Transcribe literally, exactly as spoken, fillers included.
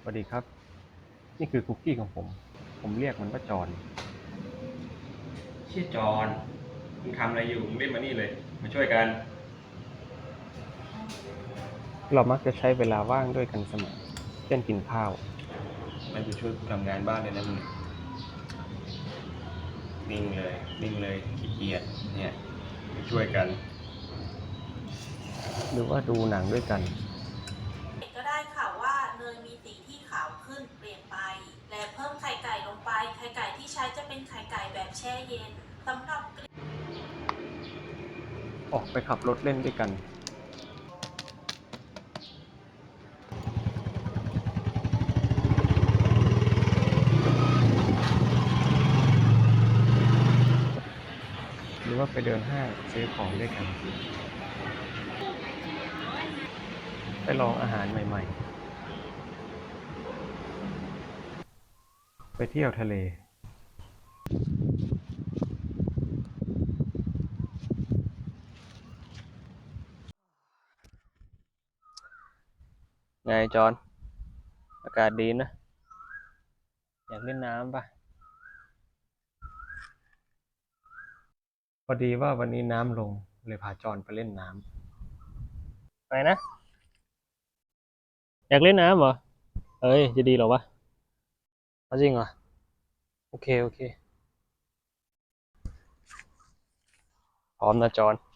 สวัสดีครับนี่คือคุกกี้ของผมผมเรียกมันว่าจอนชื่อจอนมึงทำอะไรอยู่มึงรีบมานี่เลยมาช่วยกันเรามักจะใช้เวลาว่างด้วยกันเสมอเช่นกินข้าวไม่ไปช่วยกูทำงานบ้านเลยนะมึงนิ่งเลยนิ่งเลยขี้เกียจเนี่ยมาช่วยกันหรือว่าดูหนังด้วยกันก็ได้ค่ะว่าเนยมีสีที่ขาวขึ้นเปลี่ยนไปและเพิ่มไข่ไก่ลงไปไข่ไก่ที่ใช้จะเป็นไข่ไก่แบบแช่เย็นสำหรับออกไปขับรถเล่นด้วยกันหรือว่าไปเดินห้างซื้อของด้วยกันไปลองอาหารใหม่ๆไปเที่ยวทะเลไงจอนอากาศดีนะอยากเล่นน้ำป่ะพอดีว่าวันนี้น้ำลงเลยพาจอนไปเล่นน้ำไปนะอยากเล่นน้ำเหรอเอ้ยจะดีเหรอวะเอาจริงเหรอโอเคโอเคพร้อมนะจอน